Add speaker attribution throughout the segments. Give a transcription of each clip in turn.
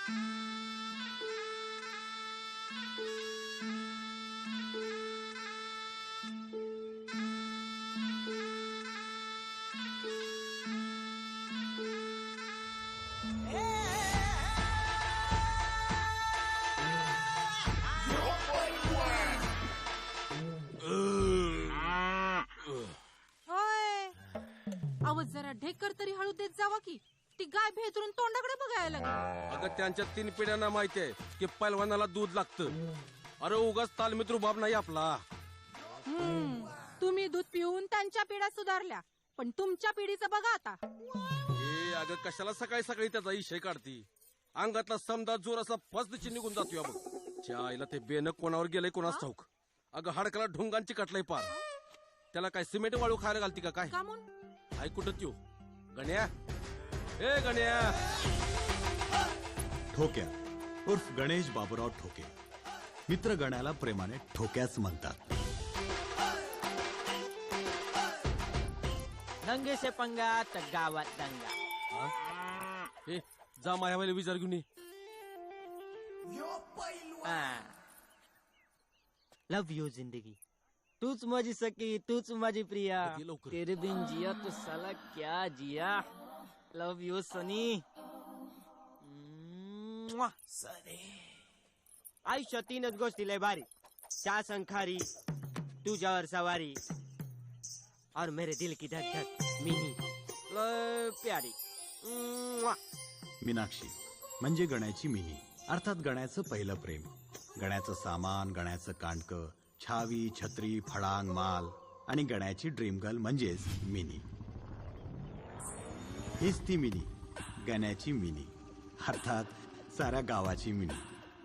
Speaker 1: जरा ढेकर तरी हळू देत जावा की ती गाय भेतरून तोंडाकडे बघायला लागली.
Speaker 2: अगं त्यांच्या 3 पिढ्यांना माहितीये की पैलवानाला दूध लागतं. अरे उगाच तालमीत रुबाब नाही आपला.
Speaker 1: तुम्ही दूध पिऊन त्यांच्या पिढ्या सुधारल्या पण तुमच्या पिढीचं बघा आता.
Speaker 2: अगं कशाला सकाळी सकाळी त्याचा इशय काढती. अंगातला समजा जोर असा फसदची निघून जातोय बघ. त्या आईला ते बेन कोणावर गेलंय कोणाच ठाऊक. अगं हाडकाला ढुंगांची कटलंय पार. त्याला काय सिमेंट वाळू खायला घालती का काय? आई कुठं त्यो गण्या? ए गण्या.
Speaker 3: ठोक्या उर्फ गणेश बाबूराव ठोके. मित्र गण्याला प्रेमाने ठोक्याच म्हणतात.
Speaker 4: दंगे से पंगा तर गावात दंगा.
Speaker 2: ए जा मायावाले विचार घेऊन ये.
Speaker 4: लव यू जिंदगी, तूच माझी सखी, तूच माझी प्रिया. तेरे बिन जिया तो साला क्या जिया. लव यू सनी. आयुष्यात 3च गोष्टी लय भारी. चहा संखारी, तुझ्यावर सवारी और मेरे दिल की धक धक मिनी लय प्यारी.
Speaker 3: मीनाक्षी म्हणजे गण्याची मिनी, अर्थात गण्याचं पहिलं प्रेम. गण्याचं सामान, गण्याचं कांडकं, छावी, छत्री, फळांग, माल आणि गण्याची ड्रीम गर्ल म्हणजेच मिनी. हीच ती मिनी, गण्याची मिनी, अर्थात साऱ्या गावाची मिनी.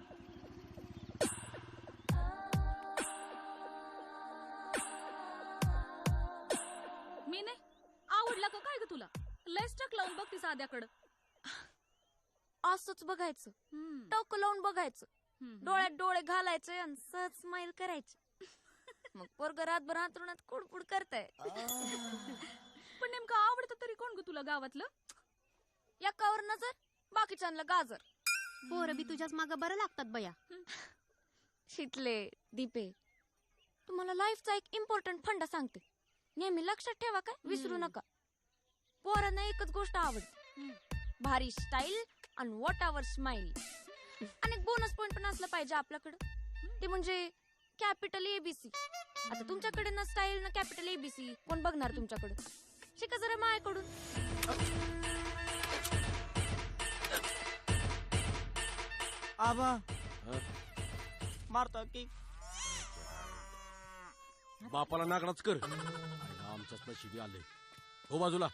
Speaker 1: मिने आवडला का काय ग तुला? लयच टक लावून बघ ती साध्याकडं.
Speaker 5: असंच बघायचं, टोक लावून बघायचं, डोळ्यात डोळे घालायचे आणि सहज स्माइल करायची. मग पोरग रातभर अंथरुणात कुडकुड करताय.
Speaker 1: पण नेमकं आवडतं तरी कोण ग तुला गावातलं?
Speaker 5: एकावर नजर, बाकीच्यांना गाजर.
Speaker 6: पोरं बी तुझ्याच मागं बरं लागतात बया.
Speaker 5: शितले, दीपे, तुम्हाला लाईफचा एक इम्पॉर्टंट फंडा सांगते. नेहमी लक्षात ठेवा, काय विसरू नका. पोरांना एकच गोष्ट आवडते, भारी स्टाईल आणि वॉटावर स्माइल. आणि बोनस पॉइंट पण असलं पाहिजे आपल्याकडं, ते म्हणजे कॅपिटल एबीसी. आता तुमच्याकडे ना स्टाईल ना कॅपिटल एबीसी, कोण बघणार तुमच्याकडे? शिका जरा मायाकडून.
Speaker 4: आबा मारतो की
Speaker 2: बापाला नागडाच कर. आमच्याच नशिबी आले. हो बाजूला.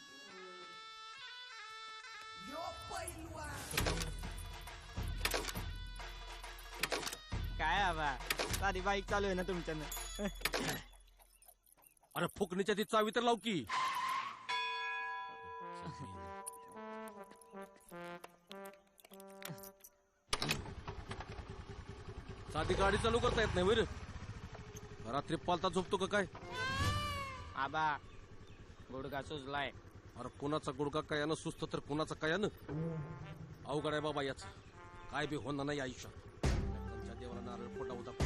Speaker 4: काय आबा, साधी बाईक चालू आहे ना तुमच्यानं.
Speaker 2: अरे फुकणीच्या ती चावी तर लाव की. साधी गाडी चालू करता येत नाही वर. रात्री पालता झोपतो का काय?
Speaker 4: आबा गुडघा सुजलाय.
Speaker 2: अरे कुणाचा गुडघा कयानं सुस्त तर कुणाचा कयानं. अवघड आहे बाबा याच. काय बी होणार नाही आयुष्यात. त्यांच्या देवाला नारळ फोटा होता.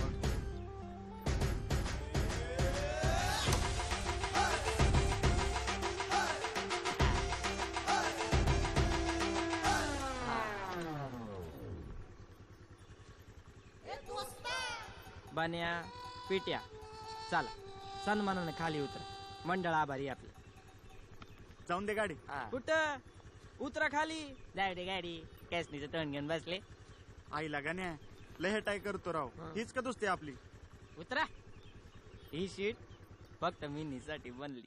Speaker 4: बन्या पिट्या चला सन्मानाने खाली उतरा. मंडळ आभारी आपलं.
Speaker 7: जाऊन दे गाडी.
Speaker 4: कुठं उतरा खाली. जाय दे गाडी. कॅसनीचं तोंड घेऊन बसले.
Speaker 7: आईला गाण्या लय हेटाय करतो राव. हीच का दोस्ती आपली?
Speaker 4: उतरा. ही सीट फक्त मिनीसाठी बनली.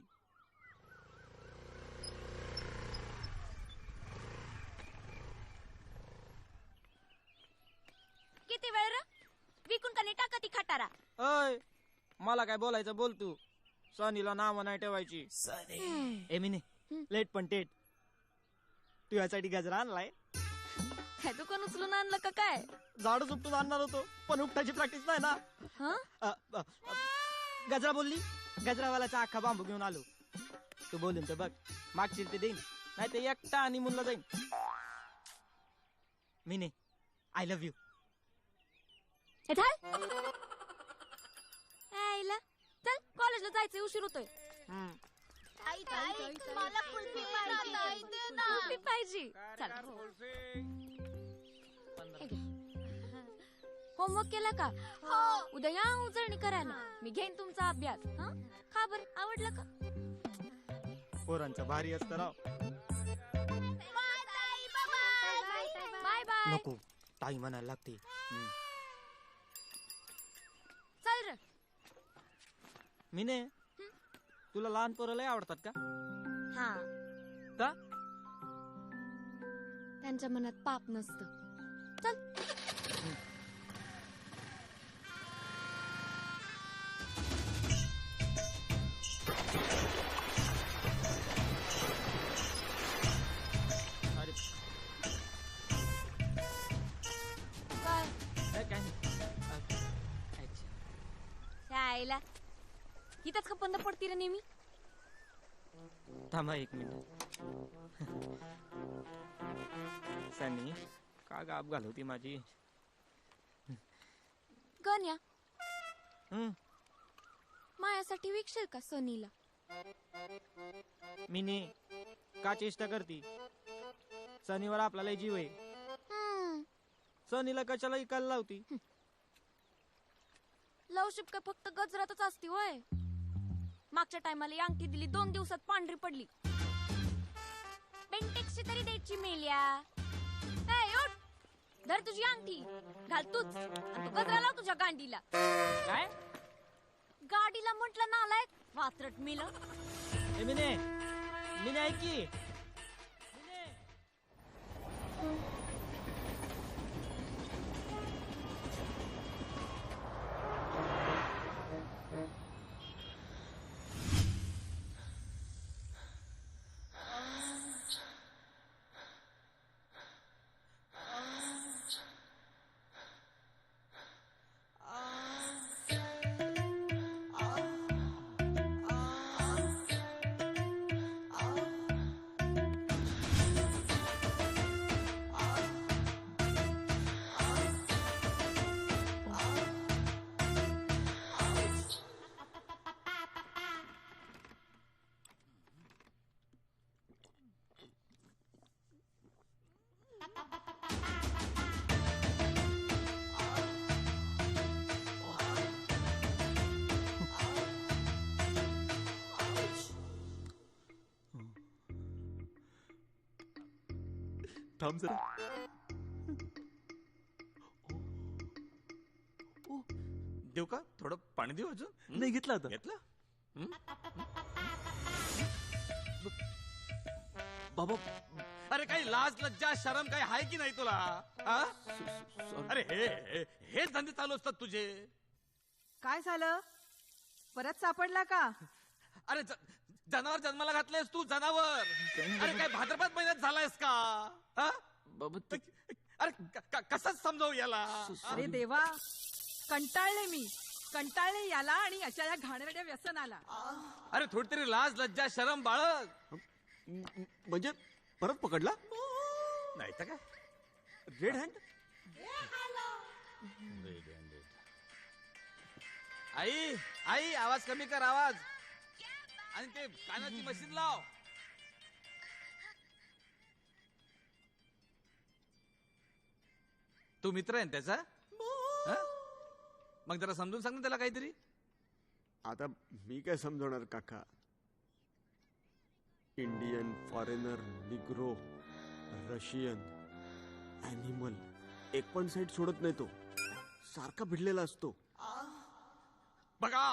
Speaker 5: किती वेळ रे? विकून का नाही टाका ती खटारा.
Speaker 4: अय मला काय बोलायचं बोल तू. सनीला नाव नाही ठेवायची. ए मिनी लेट पण टेट. तू यासाठी गजरा आणलाय?
Speaker 5: काय दुकान उचलून आणलं का काय?
Speaker 4: झाडू उपटून आणणार होतो पण उपटायची प्रॅक्टिस नाही ना. गजरा बोलली. गजरावाल्याचा अख्खा बांबू घेऊन आलो. तू बोलून तर बघ. मागशील ते देईन, नाही ते एकटा आणि मुलगा जाईन. मिने आय लव्ह यू.
Speaker 5: आईला चल कॉलेजला जायचंय उशीर होतोय. कुल्फी पाहिजे. चल होमवर्क केला का? उद्या या उजळणी करायला. मी घेईन तुमचा अभ्यास. हं? खा बरं आवडलं का?
Speaker 4: पोरांचा भारी असतं राव.
Speaker 5: Bye bye.
Speaker 4: नको ताई म्हणायला लागते.
Speaker 5: चल रे.
Speaker 4: मिने तुला लहान पोरं लय आवडतात का?
Speaker 5: हा
Speaker 4: का?
Speaker 5: त्यांच्या मनात पाप नसतं. चल
Speaker 4: अरे
Speaker 5: काय
Speaker 4: काय नाही.
Speaker 5: शाळेला इथंच का बंद पडती रे नेहमी.
Speaker 4: थांबा 1 मिनिट. सनी का गाप घालवती माझी.
Speaker 5: गण्या
Speaker 4: हं,
Speaker 5: मायासाठी विकशील का सनीला?
Speaker 4: मिने का चेष्टा करती. सनीवर आपला लय जीव आहे.
Speaker 5: हम्म,
Speaker 4: सनीला कशाला इकायला लावती.
Speaker 5: लवशिप काय फक्त गजरातच असती होय. मागच्या टायमाला ही अंगठी दिली 2 दिवसात पांढरी पडली. बेंटेक्सची तरी द्यायची मेल्या. ए, उठ. धर तुझी अंगठी घाल तूच आणि तो गजरा लाव तुझ्या गांडीला.
Speaker 4: काय
Speaker 5: गाडीला म्हटलं नालायक वात्रट मेलं.
Speaker 4: ए मिने मिने ऐक की. मिने.
Speaker 8: थांब जरा.
Speaker 9: देऊ का थोडं पाणी देऊ अजून.
Speaker 8: नाही घेतला आता.
Speaker 9: घेतलं.
Speaker 8: बाबा
Speaker 9: अरे काही लाज लज्जा शरम काही आहे की नाही तुला हा? अरे हे धंदे चालू असतात तुझे.
Speaker 10: काय झालं? परत सापडला का?
Speaker 9: अरे जनावर जन्माला घातलेस तू जनावर. अरे काय भाद्रपद महिन्यात झालायस का हा?
Speaker 8: बाबा ते
Speaker 9: अरे कसं समजावू याला.
Speaker 10: अरे देवा, कंटाळले मी. कंटाळले याला आणि अशा या घाणेरड्या व्यसनाला.
Speaker 9: अरे थोडी तरी लाज लज्जा शरम बाळग.
Speaker 3: म्हणजे परत पकडला?
Speaker 9: नाही तर काय.
Speaker 3: Red hand.
Speaker 9: आई आई आवाज कमी कर आवाज. आणि ते कानाची मशीन लाव. तू मित्र आहे ना त्याचा हं? मग जरा समजून सांग ना त्याला काहीतरी.
Speaker 3: आता मी काय समजवणार काका. Indian, foreigner, Negro, Russian, animal, एक पण साईड सोडत नाही तो. सारखा भिडलेला असतो.
Speaker 9: बघा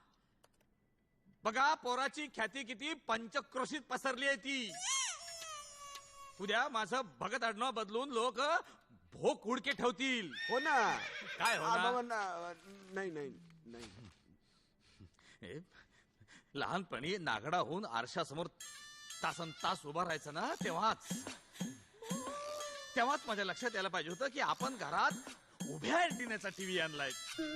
Speaker 9: बघा पोराची ख्याती किती पंचक्रोशीत पसरली आहे ती. उद्या माझं भगत आडनाव बदलून लोक भोक उडके ठेवतील.
Speaker 3: हो ना.
Speaker 9: काय होणार?
Speaker 3: नाही नाही नाही.
Speaker 9: हे, लहानपणी नागडा होऊन आरशासमोर तासन तास उभा राहायचं ना तेव्हाच माझ्या लक्षात यायला पाहिजे होतं की आपण घरात उभ्या अँटिनाचा टीव्ही आणलाय.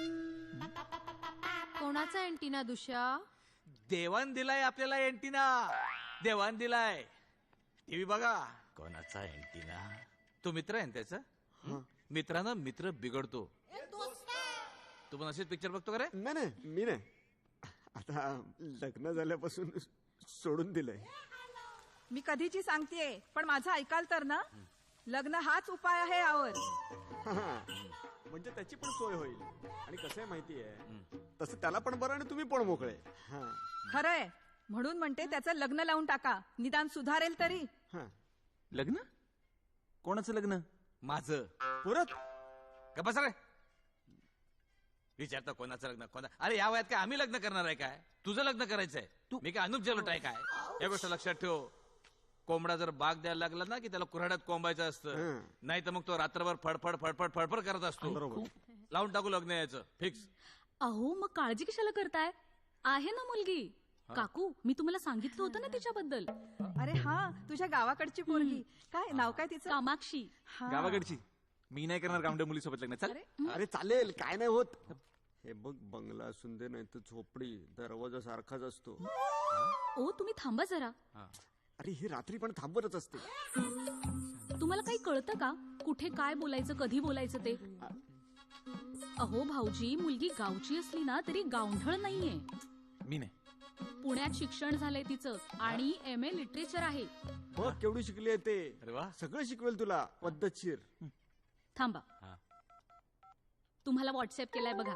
Speaker 6: कोणाचा अँटिना दुष्या?
Speaker 9: देवान दिलाय आपल्याला अँटिना. देवान दिलाय टीव्ही. बघा कोणाचा अँटिना. तू मित्र आहे ना त्याचा मित्रानं मित्र बिघडतो. तू पण असेच पिक्चर बघतो का रे?
Speaker 4: नाही नाही मी नाही, आता लग्न झाल्यापासून सोडून दिलंय.
Speaker 10: मी कधीची सांगतेय, पण माझं ऐकाल तर ना, लग्न हाच उपाय आहे यावर.
Speaker 4: म्हणजे त्याची पण सोय होईल. आणि कसं आहे माहितीये, तसं त्याला पण बरं आणि तुम्ही पण मोकळे.
Speaker 10: खरंय, म्हणून म्हणते त्याचं लग्न लावून टाका, निदान सुधारेल तरी.
Speaker 8: लग्न? कोणाचं लग्न?
Speaker 9: माझं.
Speaker 4: परत
Speaker 9: का बस रे, विचारता कोणाचं लग्न कोणा? अरे या वयात काय आम्ही लग्न करणार आहे काय? तुझं लग्न करायचंय. मी काय अनुप जलोट आहे काय? या गोष्ट लक्षात ठेव. कोंबडा जर बाग द्यायला लागला ना की त्याला कुऱ्हाड्यात कोंबायचं असतं, नाही तर मग तो रात्रभर फडफड फडफड फडफड करत असतो. लावून टाकू लग्न यायचं फिक्स.
Speaker 1: अहो मग काळजी कशाला करताय? आहे ना मुलगी. काकू मी तुम्हाला सांगितलं होतं ना तिच्याबद्दल.
Speaker 10: अरे हा, तुझ्या गावाकडची पोरगी. काय नाव काय तिचं?
Speaker 1: कामाक्षी.
Speaker 8: गावाकडची. मी नाही करणार गावंडे मुलीसोबत लग्न. चल.
Speaker 4: अरे चालेल, काय नाही होत. हे बघ, बंगला असून दे नाही तर झोपडी, दरवाजा सारखाच असतो.
Speaker 1: ओ तुम्ही थांबा जरा.
Speaker 4: अरे ही रात्री पण थांबवतच असते.
Speaker 1: तुम्हाला काही कळतं का कुठे काय बोलायचं, कधी बोलायचं ते? अहो भाऊजी, मुलगी गावची असली ना तरी गावढळ नाहीये.
Speaker 8: मी नाही.
Speaker 1: पुण्यात शिक्षण झालंय तिचं आणि MA लिटरेचर आहे.
Speaker 4: बघ केवढी शिकली आहे ते.
Speaker 9: अरे वा.
Speaker 4: सगळं शिकवेल तुला पद्धतशीर.
Speaker 1: थांबा, तुम्हाला व्हॉट्सअप केलाय बघा.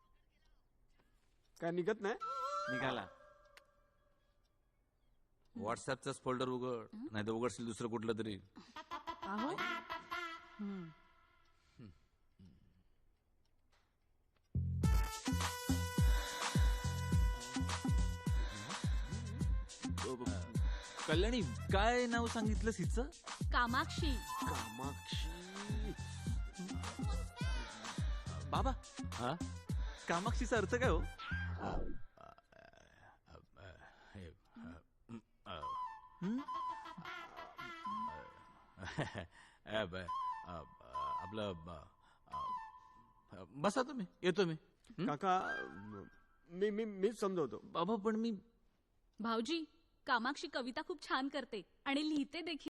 Speaker 4: काय निघत नाही?
Speaker 8: निघाला.
Speaker 9: व्हॉट्सअपचाच फोल्डर उघड, नाही तर उघडशील दुसरं कुठलं तरी.
Speaker 10: अहो
Speaker 8: कल्याणी, काय नाव सांगितलंस हिचं?
Speaker 1: कामाक्षी.
Speaker 4: कामाक्षी.
Speaker 8: बाबा, कामाक्षीचा अर्थ काय हो?
Speaker 9: आपलं बसा तुम्ही, येतो मी.
Speaker 4: काका, मी समजवतो.
Speaker 8: बाबा पण मी
Speaker 1: भाऊजी, कामाक्षी कविता खूप छान करते आणि लिहिते देखील.